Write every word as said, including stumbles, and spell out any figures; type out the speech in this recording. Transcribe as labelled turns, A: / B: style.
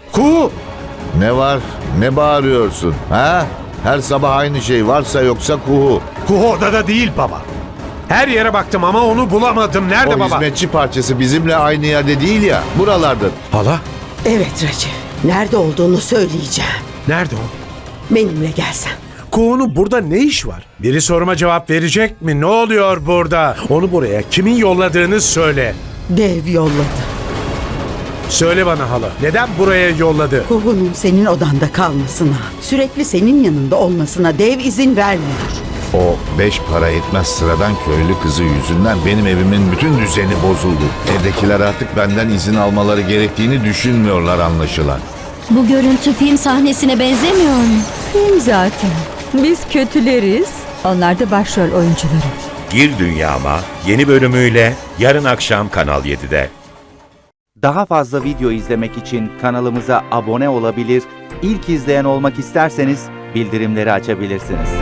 A: Kuğu!
B: Ne var? Ne bağırıyorsun? Ha? Her sabah aynı şey, varsa yoksa kuhu.
A: Kuğu odada değil baba. Her yere baktım ama onu bulamadım. Nerede
B: O
A: baba?
B: hizmetçi parçası bizimle aynı yerde değil ya. Buralardır.
A: Hala?
C: Evet Recep. Nerede olduğunu söyleyeceğim.
A: Nerede o?
C: Benimle gelsen.
A: Kuğunun burada ne iş var? Biri soruma cevap verecek mi? Ne oluyor burada? Onu buraya kimin yolladığını söyle.
C: Dev yolladı.
A: Söyle bana hala. Neden buraya yolladı?
C: Kuhu'nun senin odanda kalmasına, sürekli senin yanında olmasına dev izin vermiyor.
B: O beş para etmez sıradan köylü kızı yüzünden benim evimin bütün düzeni bozuldu. Evdekiler artık benden izin almaları gerektiğini düşünmüyorlar anlaşılan.
D: Bu görüntü film sahnesine benzemiyor mu?
E: Film zaten. Biz kötüleriz. Onlar da başrol oyuncuları.
F: Gir Dünyama yeni bölümüyle yarın akşam Kanal yedide.
G: Daha fazla video izlemek için kanalımıza abone olabilir, ilk izleyen olmak isterseniz bildirimleri açabilirsiniz.